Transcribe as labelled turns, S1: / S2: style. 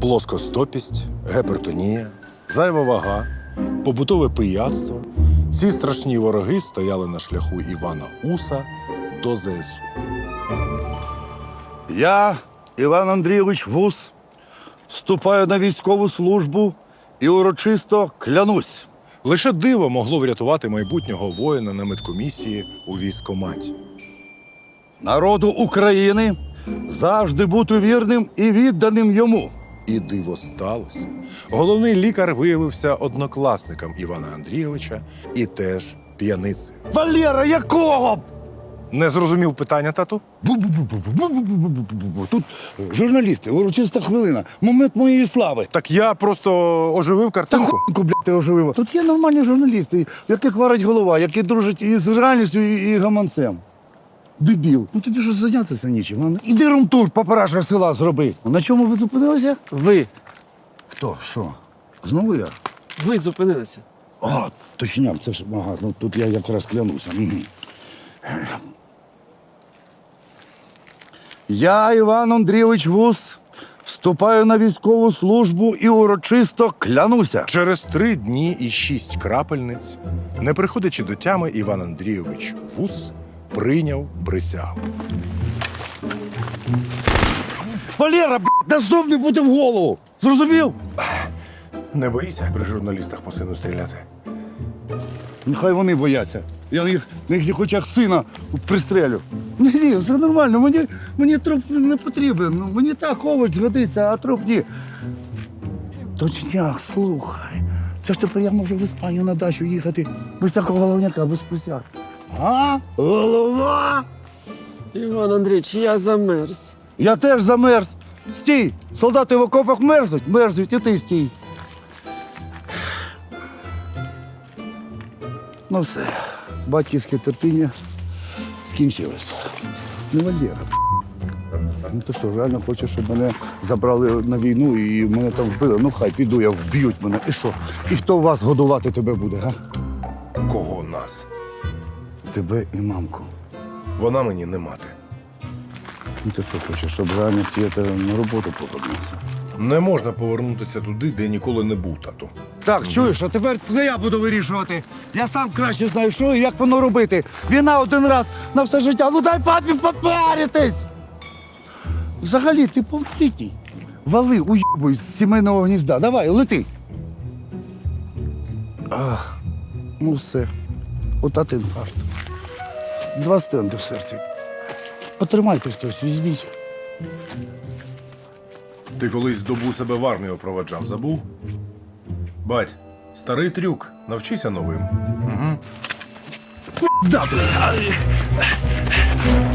S1: плоскостопість, гіпертонія, зайва вага, побутове пияцтво. Ці страшні вороги стояли на шляху Івана Уса до ЗСУ.
S2: Я, Іван Андрійович Вус, вступаю на військову службу і урочисто клянусь.
S1: Лише диво могло врятувати майбутнього воїна на медкомісії у військкоматі.
S2: Народу України завжди бути вірним і відданим йому.
S1: І диво сталося. Головний лікар виявився однокласником Івана Андрійовича і теж п'яницею.
S2: Валера, якого?
S1: Не зрозумів питання, тату?
S2: Бу-бу-бу-бу-бу-бу-бу-бу. Тут журналісти, урочиста хвилина, момент моєї слави.
S1: Так я просто оживив
S2: Та
S1: картинку.
S2: хуйку, блядь, ти оживила. Тут є нормальні журналісти, в яких варить голова, які дружать із реальністю і гаманцем. Дебіл. Ну тобі ж зайнятися нічим. А? Іди румтур, папараша села зроби. На чому ви зупинилися?
S3: Ви.
S2: Хто? Що? Знову я?
S3: Ви зупинилися.
S2: А, точняк, це ж ага, ну тут я якраз клянуся. Я, Іван Андрійович Вус, вступаю на військову службу і урочисто клянуся.
S1: Через 3 дні і 6 крапельниць, не приходячи до тями, Іван Андрійович Вус прийняв присягу.
S2: Валера, да знов не буде в голову. Зрозумів?
S1: Не боїся при журналістах по сину стріляти?
S2: Нехай вони бояться. Я їх на їхніх очах сина пристрелю. Ні, все нормально, мені труп не потрібен. Ну, мені так овоч згодиться, а труп ні. Точняк, слухай. Це ж тепер я можу в Іспанію на дачу їхати без такого головняка, без присяг. А? Голова?
S3: Іван Андрійович, я замерз.
S2: Я теж замерз. Стій! Солдати в окопах мерзнуть, і ти стій. Ну все, батьківське терпіння скінчилось. Не Валера. Ну ти що, реально хочеш, щоб мене забрали на війну і мене там вбили? Ну хай піду, я вб'ють мене. І що? І хто вас годувати тебе буде, га?
S1: Кого нас?
S2: Тебе і мамку.
S1: Вона мені не мати.
S2: Ну ти що хочеш, щоб реально світа на роботу повернувся?
S1: Не можна повернутися туди, де ніколи не був, тату.
S2: Так, чуєш, а тепер це я буду вирішувати. Я сам краще знаю, що і як воно робити. Війна один раз на все життя. Ну дай папі попаритись! Взагалі, ти повнолітній. Вали, уйобуй з сімейного гнізда. Давай, лети. Ах, ну все. Отат інфаркт. 2 стенди в серці. Потримайте хтось, візьміть.
S1: Ти колись добу себе в армію проведжав, забув? Бать, старий трюк, навчися новим.
S2: Здати.